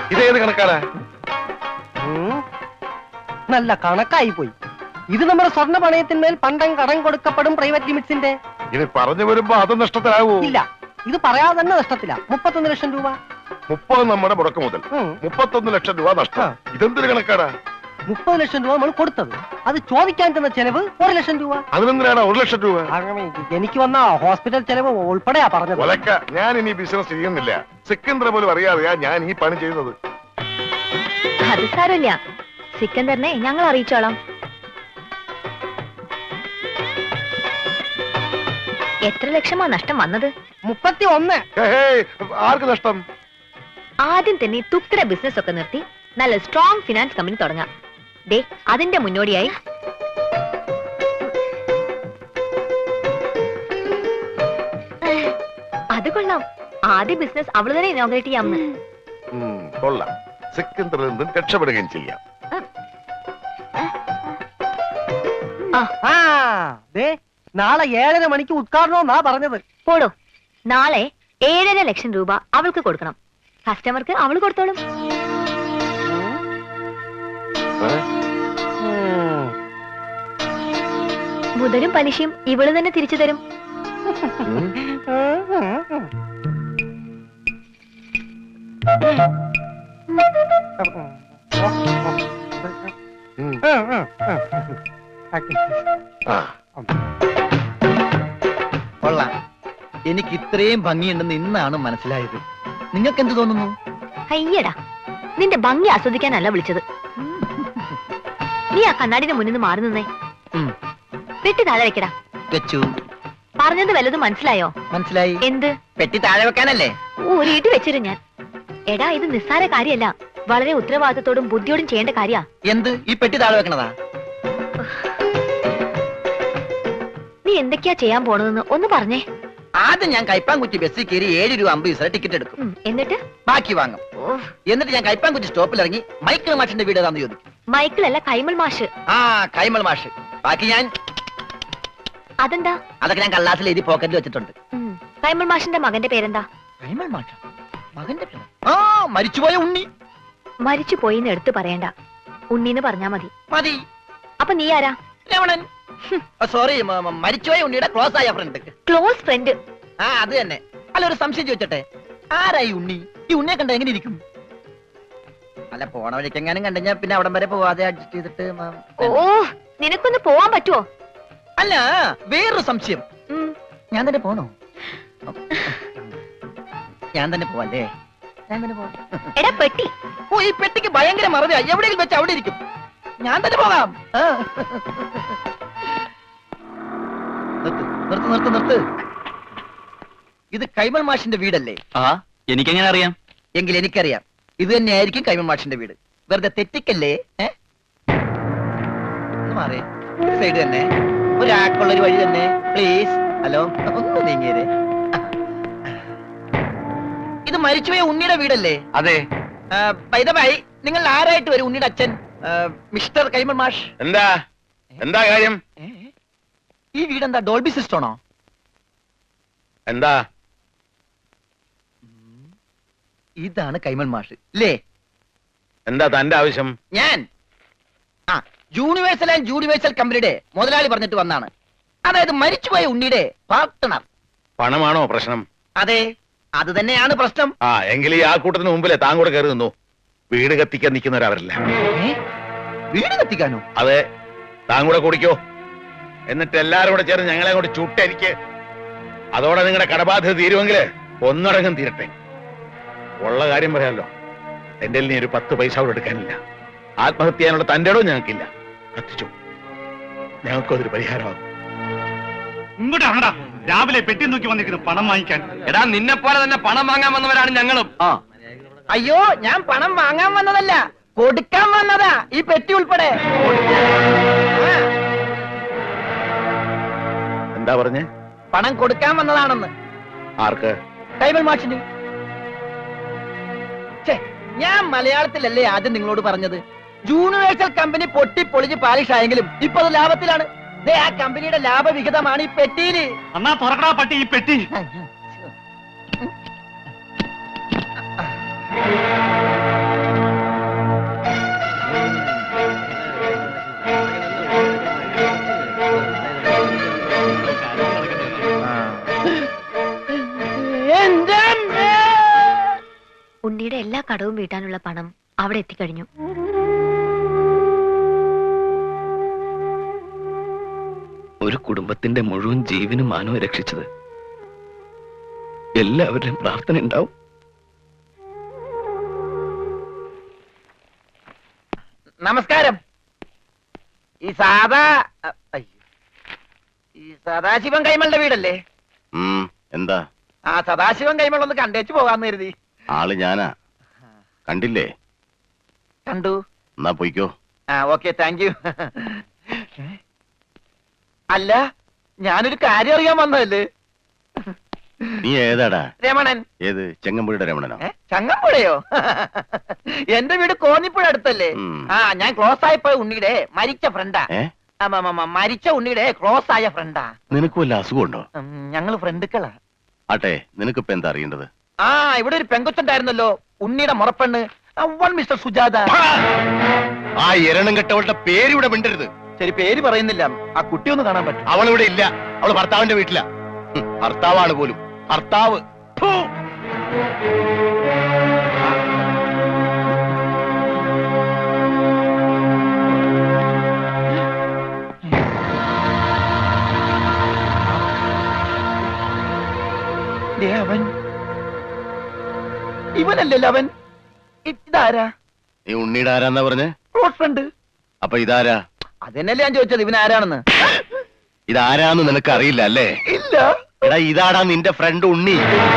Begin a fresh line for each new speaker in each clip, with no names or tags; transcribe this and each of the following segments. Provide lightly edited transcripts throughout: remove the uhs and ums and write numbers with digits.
ഇതേത് കണക്കാണ്?
നല്ല കണക്കായി പോയി. ഇത് നമ്മുടെ സ്വർണ്ണ പണയത്തിന്മേൽ പണ്ടം കടം കൊടുക്കപ്പെടും പ്രൈവറ്റ് ലിമിറ്റ്സിന്റെ.
ഇത് പറഞ്ഞു വരുമ്പോ അത് നഷ്ടത്തിലാവൂ?
ഇല്ല, ഇത് പറയാതെ തന്നെ നഷ്ടത്തില്ല. 31 ലക്ഷം രൂപ.
30 നമ്മുടെ മുടക്ക് മുതൽ, 31 ലക്ഷം രൂപ നഷ്ടം. ഇതെന്തൊരു കണക്കാടാ?
30 ലക്ഷം രൂപ നമ്മൾ കൊടുത്തത്, അത് ചോദിക്കാൻ തന്ന ചെലവ് 1 ലക്ഷം രൂപ.
അതിനെന്തിനാണ് 1 ലക്ഷം രൂപ?
എനിക്ക് വന്ന ഹോസ്പിറ്റൽ ചെലവ് ഉൾപ്പെടെയാ പറഞ്ഞത്.
ഒലക്ക, ഞാൻ ഇനി ബിസിനസ് ചെയ്യുന്നില്ല. സിക്കന്ദർ പോലും അറിയാതെയാ ഞാൻ ഈ പണി ചെയ്യുന്നത്.
അത് സാരമില്ല, സിക്കന്ദറിനെ ഞങ്ങൾ അറിയിച്ചോളാം. എത്ര ലക്ഷമാ നഷ്ടം വന്നത്?
31.
ആർക്ക് നഷ്ടം?
ആദ്യം തന്നെ തുക്തര ബിസിനസ് ഒക്കെ നിർത്തി നല്ല സ്ട്രോങ് ഫിനാൻസ് കമ്പനി തുടങ്ങാം. ദേ, അതിന്റെ മുന്നോടിയായി അത് കൊള്ളാം. ആദ്യ ബിസിനസ് അവള് തന്നെ ഇനോഗ്രേറ്റ് ചെയ്യാമെന്ന്.
കൊള്ളാം. സിക്കന്ദറിൽ നിന്നും രക്ഷപ്പെടുകയും ചെയ്യാം.
നാളെ 7:30 മണിക്ക് ഉദ്ഘാടനമെന്നാ പറഞ്ഞത്.
പോടോ, നാളെ 7.5 ലക്ഷം രൂപ അവൾക്ക് കൊടുക്കണം. കസ്റ്റമർക്ക് അവള് കൊടുത്തോളും. മുതലും പലിശയും ഇവള് തന്നെ തിരിച്ചു തരും.
കൊള്ളാം. എനിക്ക് ഇത്രയും ഭംഗിയുണ്ടെന്ന് ഇന്നാണ് മനസ്സിലായത്. നിങ്ങൾക്ക് എന്ത് തോന്നുന്നു?
അയ്യടാ, നിന്റെ ഭംഗി ആസ്വദിക്കാനല്ല വിളിച്ചത്. നീ ആ കണ്ണാടിന്റെ മുന്നിൽ നിന്ന് മാറി നിന്നേ. പെട്ടി താഴെ വെക്കടാ.
വെച്ചു.
പറഞ്ഞത് വല്ലതും മനസ്സിലായോ?
മനസ്സിലായി.
എന്ത്?
പെട്ടി താഴെ വെക്കാനല്ലേ?
ഒരു ഇടി വെച്ചിരും ഞാൻ. എടാ, ഇത് നിസ്സാര കാര്യമല്ല, വളരെ ഉത്തരവാദിത്തത്തോടും ബുദ്ധിയോടും ചെയ്യേണ്ട കാര്യ.
എന്ത്? ഈ പെട്ടി താഴെ വെക്കണതാ?
നീ എന്തൊക്കെയാ ചെയ്യാൻ പോണതെന്ന് ഒന്ന് പറഞ്ഞേ.
ആദ്യം ഞാൻ കൈപ്പാങ്കുറ്റി ബസ്സിൽ കയറി 7 രൂപ 50 പൈസ ടിക്കറ്റ് എടുക്കും.
എന്നിട്ട്
ബാക്കി വാങ്ങും. എന്നിട്ട് ഞാൻ കൈപ്പാങ്കുറ്റി സ്റ്റോപ്പിൽ ഇറങ്ങി മൈക്കിൾ മാഷിന്റെ വീട് ഏതാന്ന് ചോദിക്കും.
മൈക്കിളല്ല, കൈമൾ മാഷ്.
ആ, കൈമൾ മാഷ്. ബാക്കി ഞാൻ
അതെന്താ?
അതൊക്കെ ഞാൻ കള്ളാസിൽ എഴുതി പോക്കറ്റിൽ വെച്ചിട്ടുണ്ട്.
കൈമൾ മാഷിന്റെ മകന്റെ പേരെന്താ?
കൈമൾ മാഷ? മകന്റെ പേര്? ആ, മരിച്ചുപോയ ഉണ്ണി.
മരിച്ചു പോയിന്ന് എടുത്തു പറയണ്ട, ഉണ്ണീന്ന് പറഞ്ഞാ മതി.
മതി.
അപ്പൊ നീ ആരാ?
രമണൻ. സോറി, മരിച്ചുപോയ ഉണ്ണിയുടെ ക്ലോസ് ആയ ഫ്രണ്ട്.
Close friend?
ആ, അത് തന്നെ. അല്ല, ഒരു സംശയം ചോദിച്ചോട്ടെ, ആരായി ഉണ്ണി? ഈ ഉണ്ണിയെ കണ്ട എങ്ങനെ ഇരിക്കും? അല്ല, പോണ വഴിക്ക് എങ്ങാനും കണ്ടുകഴിഞ്ഞാ പിന്നെ അവിടം വരെ പോവാതെ അഡ്ജസ്റ്റ് ചെയ്തിട്ട്.
ഓ, നിനക്കൊന്ന് പോവാൻ പറ്റുമോ?
അല്ല, വേറൊരു സംശയം. ഞാൻ തന്നെ പോണോ? ഞാൻ തന്നെ പോവല്ലേ? ഞാൻ തന്നെ പോവാം.
എടാ പെട്ടി.
ഓ, ഈ പെട്ടിക്ക് ഭയങ്കര മറവിയാ. എവിടെയെങ്കിലും വെച്ച് അവിടെ ഇരിക്കും. ഞാൻ തന്നെ പോകാം. നിർത്ത്. ഇത് കൈമൾ മാഷിന്റെ വീടല്ലേ?
ആ, എനിക്കെങ്ങനെ അറിയാം?
എങ്കിൽ എനിക്കറിയാം. ഇത് തന്നെയായിരിക്കും കൈമൾ മാഷിന്റെ വീട്. വെറുതെ തെറ്റിക്കല്ലേ? മാറേ, സൈഡ് തന്നെ, ഒരാൾക്കുള്ളൊരു വഴി തന്നെ, പ്ലീസ്. ഹലോ, ഒന്ന് നീങ്ങിയേ. ഇത് മരിച്ചുപോയ ഉണ്ണിയുടെ വീടല്ലേ?
അതെ.
ബൈ ദ ബൈ, നിങ്ങൾ ആരായിട്ട് വരും? ഉണ്ണിയുടെ അച്ഛൻ മിസ്റ്റർ കൈമൾ മാഷ്.
എന്താ കാര്യം?
ഈ വീടെന്താ ഡോൾബി സിസ്റ്റമാണോ?
എന്താ?
ഇതാണ് കൈമൾ മാഷ് അല്ലേ?
എന്താ തന്റെ ആവശ്യം?
ഞാൻ യൂണിവേഴ്സൽ ആൻഡ് യൂണിവേഴ്സൽ കമ്പനിയുടെ മുതലാളി പറഞ്ഞിട്ട് വന്നാണ്. അതായത് മരിച്ചുപോയ ഉണ്ണിയുടെ പാർട്ട്ണർ.
പണമാണോ പ്രശ്നം?
അതെ, അത് തന്നെയാണ് പ്രശ്നം.
ആ, എങ്കിൽ ഈ ആൾക്കൂട്ടത്തിന് മുമ്പിലെ താൻ കൂടെ കയറി നിന്നു. വീട് കത്തിക്കാൻ നിൽക്കുന്നവരവരല്ല.
വീട് കത്തിക്കാനോ?
അതെ, താൻ കൂടെ കുടിക്കോ. എന്നിട്ട് എല്ലാരും കൂടെ ചേർന്ന് ഞങ്ങളെ കൂടെ ചുട്ടരിക്ക്. അതോടെ നിങ്ങളുടെ കടബാധ്യത തീരുമെങ്കിൽ ഒന്നടങ്കം തീരട്ടെ. ഉള്ള കാര്യം പറയാമല്ലോ, എന്റെ നീ ഒരു 10 പൈസ കൂടെ എടുക്കാനില്ല. ആത്മഹത്യ ചെയ്യാനുള്ള തന്റെ ഇടവും ഞങ്ങൾക്കില്ല. കത്തിച്ചു, ഞങ്ങൾക്കും അതൊരു പരിഹാരമാകും.
ഇങ്ങോട്ടാണടാ രാവിലെ പെട്ടി നോക്കി വന്നിരിക്കുന്നു പണം വാങ്ങിക്കാൻ.
എടാ, നിന്നെ പോലെ തന്നെ പണം വാങ്ങാൻ വന്നവരാണ് ഞങ്ങളും.
അയ്യോ, ഞാൻ പണം വാങ്ങാൻ വന്നതല്ല, കൊടുക്കാൻ വന്നതാ. ഈ പെട്ടി ഉൾപ്പെടെ.
എന്താ പറഞ്ഞേ?
പണം കൊടുക്കാൻ വന്നതാണെന്ന്.
ആർക്ക്?
കൈമൾ മാഷിന്. ഞാൻ മലയാളത്തിലല്ലേ ആദ്യം നിങ്ങളോട് പറഞ്ഞത്? യൂണിവേഴ്സൽ കമ്പനി പൊട്ടി പൊളിഞ്ഞ് പാലിഷ് ആയെങ്കിലും ഇപ്പൊ അത് ലാഭത്തിലാണ്. ആ കമ്പനിയുടെ ലാഭവിഹിതമാണ് ഈ പെട്ടിയില്.
എന്നാ തുറക്കടാ പട്ടി ഈ പെട്ടി.
ഉണ്ണിയുടെ എല്ലാ കടവും വീട്ടാനുള്ള പണം അവിടെ എത്തിക്കഴിഞ്ഞു.
ഒരു കുടുംബത്തിന്റെ മുഴുവൻ ജീവനും മാനവും രക്ഷിച്ചത് എല്ലാവരുടെയും പ്രാർത്ഥന ഉണ്ടാവും.
നമസ്കാരം. ഈ സദാശിവൻ കൈമളുടെ വീടല്ലേ?
എന്താ?
ആ സദാശിവൻ കൈമൾ ഒന്ന് കണ്ടേച്ചു പോകാന്ന് കരുതി.
ആള് ഞാനാ, കണ്ടില്ലേ?
കണ്ടു.
എന്നാ പോയിക്കോ.
ആ ഓക്കെ, താങ്ക് യു. അല്ല, ഞാനൊരു കാര്യം അറിയാൻ വന്നതല്ലേ.
നീ ഏതാടാ?
രമണൻ.
ഏത്? ചെങ്ങമ്പുഴയുടെ രമണനോ?
ചങ്ങമ്പുഴയോ? എന്റെ വീട് കോന്നിപ്പുഴ അടുത്തല്ലേ? ആ, ഞാൻ ക്ലോസ് ആയപ്പോ ഉണ്ണിയുടെ മരിച്ച ഫ്രണ്ടാ. മരിച്ച ഉണ്ണിയുടെ ക്ലോസ് ആയ ഫ്രണ്ടാ.
നിനക്ക് വല്ല അസുഖമുണ്ടോ?
ഞങ്ങള് ഫ്രണ്ടുക്കളാ.
ആട്ടെ, നിനക്കിപ്പോ എന്താ അറിയേണ്ടത്?
ആ, ഇവിടെ ഒരു പെങ്കൊച്ചുണ്ടായിരുന്നല്ലോ, ഉണ്ണിയുടെ മുറപ്പെണ്ണ്, മിസ്റ്റർ സുജാത.
ആ എരണം കെട്ടവളുടെ പേര് ഇവിടെ മിണ്ടരുത്.
ശരി, പേര് പറയുന്നില്ല. ആ കുട്ടി ഒന്ന് കാണാൻ പറ്റും?
അവളിവിടെ ഇല്ല, അവള് ഭർത്താവിന്റെ വീട്ടിലാ. ഭർത്താവാണ് പോലും. ഭർത്താവ്. ഫു.
അവൻ ഇവനല്ലല്ലോ അവൻ. ഇതാരാ?
ഈ ഉണ്ണിയുടെ ആരാന്നാ പറഞ്ഞേ?
Close friend.
അപ്പൊ ഇതാരാ?
അതെന്നല്ലേ ഞാൻ ചോദിച്ചത്, ഇവൻ ആരാണെന്ന്.
ഇതാരാന്ന് നിനക്ക് അറിയില്ല അല്ലേ?
ഇല്ല.
എടാ, ഇതാടാ നിന്റെ ഫ്രണ്ട് ഉണ്ണി.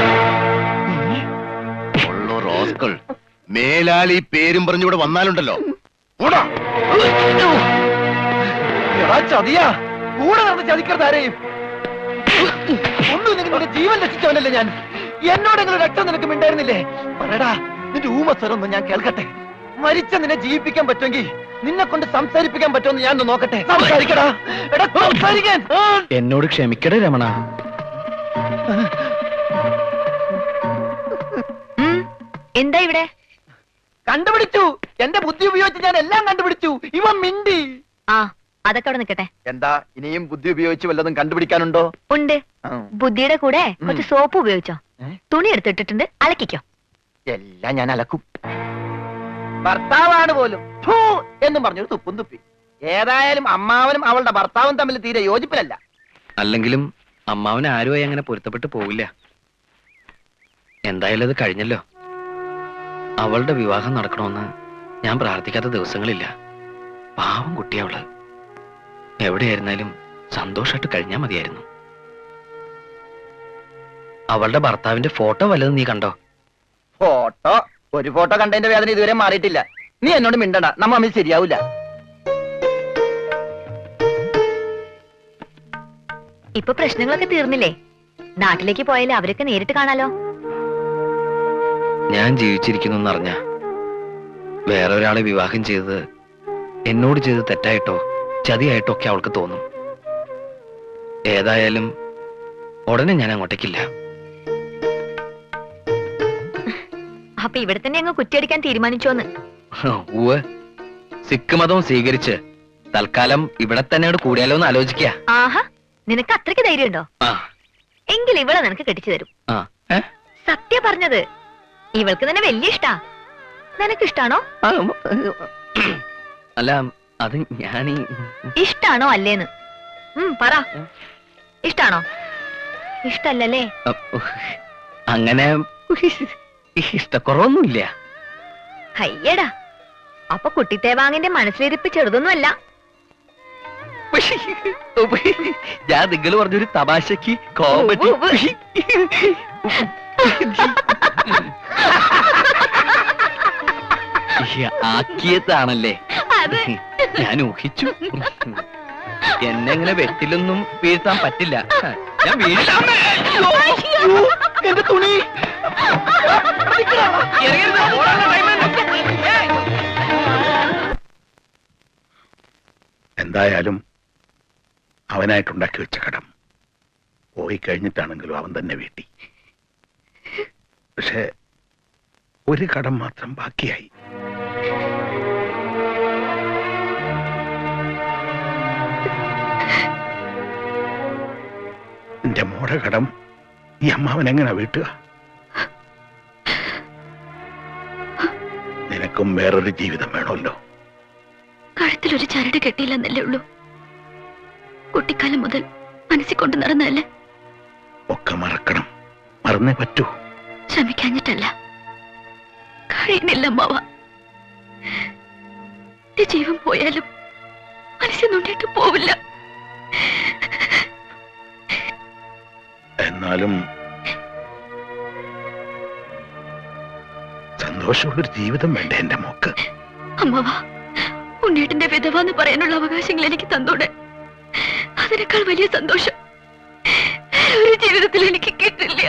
റോസ്കൾ മേലാൽ ഈ പേരും പറഞ്ഞിവിടെ വന്നാലുണ്ടല്ലോ.
ചതിയാ, കൂടെ നടന്ന് ചതിക്കരുത് ആരെയും. ഒന്നും നിങ്ങളുടെ ജീവൻ രക്ഷിച്ചവനല്ലേ ഞാൻ. എന്നോടെങ്കിലും രക്തം നിനക്ക് മിണ്ടായിരുന്നില്ലേ? പറയടാ, നിന്റെ ഊമസ്വരൊന്നും ഞാൻ കേൾക്കട്ടെ. മരിച്ച നിന്നെ ജീവിപ്പിക്കാൻ പറ്റുമെങ്കിൽ നിന്നെ കൊണ്ട് സംസാരിപ്പിക്കാൻ പറ്റുമെന്ന് ഞാൻ നോക്കട്ടെ. സംസാരിക്കടാ. എടാ, സംസാരിക്കാൻ.
എന്നോട് ക്ഷമിക്കടേ രമണ.
എന്താ ഇവിടെ?
കണ്ടുപിടിച്ചു. എന്റെ ബുദ്ധി ഉപയോഗിച്ച് ഞാൻ എല്ലാം കണ്ടുപിടിച്ചു. ഇവൻ മിണ്ടി.
ആ, അതൊക്കെ അവിടെ നിൽക്കട്ടെ.
എന്താ, ഇനിയും ബുദ്ധി ഉപയോഗിച്ച് വല്ലതും കണ്ടുപിടിക്കാനുണ്ടോ?
ഉണ്ട്. ബുദ്ധിയുടെ കൂടെ കുറച്ച് സോപ്പ് ഉപയോഗിച്ചോ. തുണി എടുത്തിട്ടിട്ടുണ്ട്, അലക്കിക്കോ.
എല്ലാം ഞാൻ അലക്കും. ഭർത്താവാണ് പോലും ഫൂ എന്നും പറഞ്ഞൊരു തുപ്പും തുപ്പി. ഏതായാലും അമ്മാവനും അവളുടെ ഭർത്താവും തമ്മിൽ തീരെ യോജിപ്പിലല്ല.
അല്ലെങ്കിലും അമ്മാവന് ആരുമായി അങ്ങനെ പൊരുത്തപ്പെട്ട് പോവില്ല. എന്തായാലും അത് കഴിഞ്ഞല്ലോ. അവളുടെ വിവാഹം നടക്കണമെന്ന് ഞാൻ പ്രാർത്ഥിക്കാത്ത ദിവസങ്ങളില്ല. പാവം കുട്ടിയവള്. എവിടെയായിരുന്നാലും സന്തോഷമായിട്ട് കഴിഞ്ഞാൽ മതിയായിരുന്നു. അവളുടെ ഭർത്താവിന്റെ ഫോട്ടോ വല്ലതും നീ കണ്ടോ?
ഫോട്ടോ? ഒരു ഫോട്ടോ കണ്ടതിന്റെ വേദന ഇതുവരെ മാറിയിട്ടില്ല. നീ എന്നോട് മിണ്ടണ്ട, നമ്മ തമ്മിൽ ശരിയാവൂല.
ഇപ്പൊ പ്രശ്നങ്ങളൊക്കെ തീർന്നില്ലേ? നാട്ടിലേക്ക് പോയാലേ അവരൊക്കെ നേരിട്ട് കാണാലോ.
ഞാൻ ജീവിച്ചിരിക്കുന്നു എന്നറിഞ്ഞ വേറെ ഒരാളെ വിവാഹം ചെയ്തത് എന്നോട് ചെയ്ത് തെറ്റായിട്ടോ ചതിയായിട്ടോ ഒക്കെ അവൾക്ക് തോന്നും. ഏതായാലും ഉടനെ ഞാൻ അങ്ങോട്ടേക്കില്ല.
അപ്പൊ ഇവിടെ തന്നെ അങ്ങ് കുറ്റിയടിക്കാൻ തീരുമാനിച്ചോന്ന്?
ഊവ്, സിഖ് മതവും സ്വീകരിച്ച് തൽക്കാലം ഇവിടെ തന്നെ കൂടിയാലോ എന്ന് ആലോചിക്ക.
ആഹാ, നിനക്ക് അത്രയ്ക്ക് ധൈര്യമുണ്ടോ? എങ്കിൽ ഇവളെ നിനക്ക് കെട്ടിച്ചു തരും. സത്യ പറഞ്ഞത്. ഇവൾക്ക് തന്നെ വലിയ ഇഷ്ടാ. നിനക്കിഷ്ടാണോ?
അല്ല, അത് ഞാനീ
ഇഷ്ടാണോ അല്ലേന്ന് പറ. ഇഷ്ടാണോ? ഇഷ്ടല്ലേ?
അങ്ങനെ ഇഷ്ടക്കുറവൊന്നുമില്ല.
അയ്യടാ, അപ്പൊ കുട്ടിത്തേവാങ്ങിന്റെ മനസ്സിലിരിപ്പ് ചെറുതൊന്നുമല്ല.
ഞാൻ നിങ്ങൾ പറഞ്ഞൊരു തമാശക്ക് കോമഡി ആക്കിയതാണല്ലേ ഞാൻ ഊഹിച്ചു. എന്നെങ്ങനെ വെട്ടിലൊന്നും വീഴ്ത്താൻ പറ്റില്ല. ഞാൻ വീഴ്ത്താൻ.
എന്റെ തുണി.
എന്തായാലും അവനായിട്ടുണ്ടാക്കി വെച്ച കടം പോയി കഴിഞ്ഞിട്ടാണെങ്കിലും അവൻ തന്നെ വീട്ടി. പക്ഷെ ഒരു കടം മാത്രം ബാക്കിയായി. എന്റെ മോടെ കടം ഈ അമ്മാവൻ എങ്ങനെ വീട്ടുക? നിനക്കും വേറൊരു ജീവിതം വേണമല്ലോ.
കഴുത്തിലൊരു ചരട് കെട്ടിയില്ലെന്നല്ലേ ഉള്ളൂ. കുട്ടിക്കാലം മുതൽ മനസ്സിൽ കൊണ്ടു നടന്നതല്ലേ.
ഒക്കെ മറക്കണം, മറന്നേ പറ്റൂ.
ശ്രമിക്കാഞ്ഞിട്ടല്ല, കഴിയുന്നില്ല അമ്മാവ. ജീവൻ പോയാലും മനസ്സിൽ നോണ്ടിട്ട് പോവില്ല.
എന്നാലും സന്തോഷമുള്ളൊരു ജീവിതം വേണ്ട എന്റെ മോക്ക്.
അമ്മാവ, ഉണ്ണേട്ടന്റെ വിധവ എന്ന് പറയാനുള്ള അവകാശങ്ങൾ എനിക്ക് തന്നോടെ. അതിനേക്കാൾ വലിയ സന്തോഷം ഒരു ജീവിതത്തിൽ എനിക്ക് കിട്ടില്ല.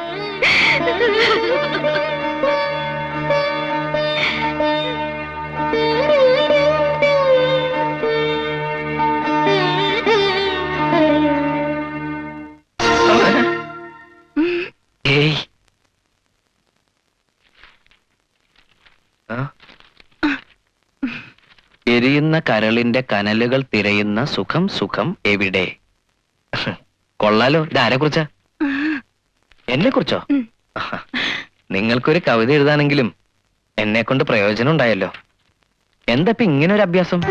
ഏയ് എരിയുന്ന കരളിന്റെ കനലുകൾ തിരയുന്ന സുഖം സുഖം എവിടെ? കൊള്ളാലോ. ഇതാരെ കുറിച്ചാ? എന്നെ കുറിച്ചോ? നിങ്ങൾക്കൊരു കവിത എഴുതാനെങ്കിലും എന്നെ കൊണ്ട് പ്രയോജനം ഉണ്ടായല്ലോ. എന്താ ഇപ്പൊ ഇങ്ങനെ ഒരു അഭ്യാസം?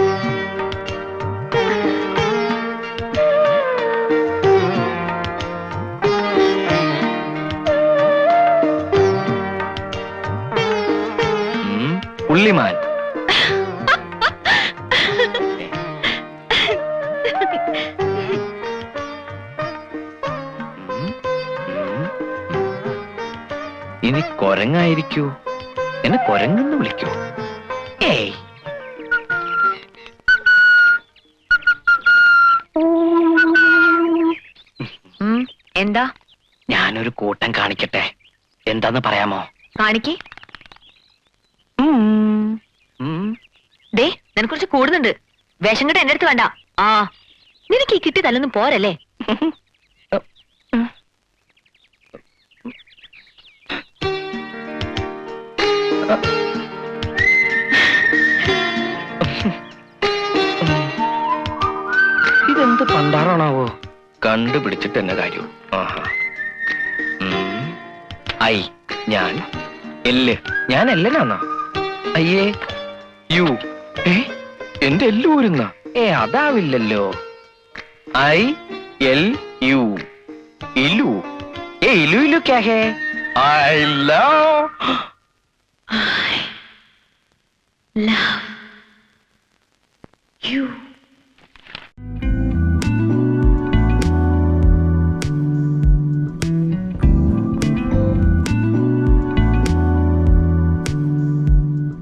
പുള്ളിമാൻ. ഇനി കൊരങ്ങായിരിക്കൂ. എന്നെ കൊരങ്ങെന്ന് വിളിക്കൂ. ഏയ്,
എന്താ?
ഞാനൊരു കൂട്ടം കാണിക്കട്ടെ. എന്താന്ന് പറയാമോ?
കാണിക്കേ. ദേ, നിനക്കുറിച്ച് കൂടുന്നുണ്ട്. വേഷം കെട്ട് എന്റെ അടുത്ത് വേണ്ട. ആ, നിനക്ക് ഈ കിട്ടി തല്ലൊന്നും പോരല്ലേ?
ഇതെന്ത് പണ്ടാറാണാവോ? കണ്ടുപിടിച്ചിട്ട് എന്നെ കാര്യം. ആഹാ. ഐ ഞാൻ എല്ല്. ഞാൻ എല്ലനാണോ? അയ്യേ യു. എന്റെ എല്ല് ഊരുന്ന? അതാവില്ലല്ലോ. I L U. ഇലു. ഇലു ഇലു ക്യാ ഹേ? I love
love you.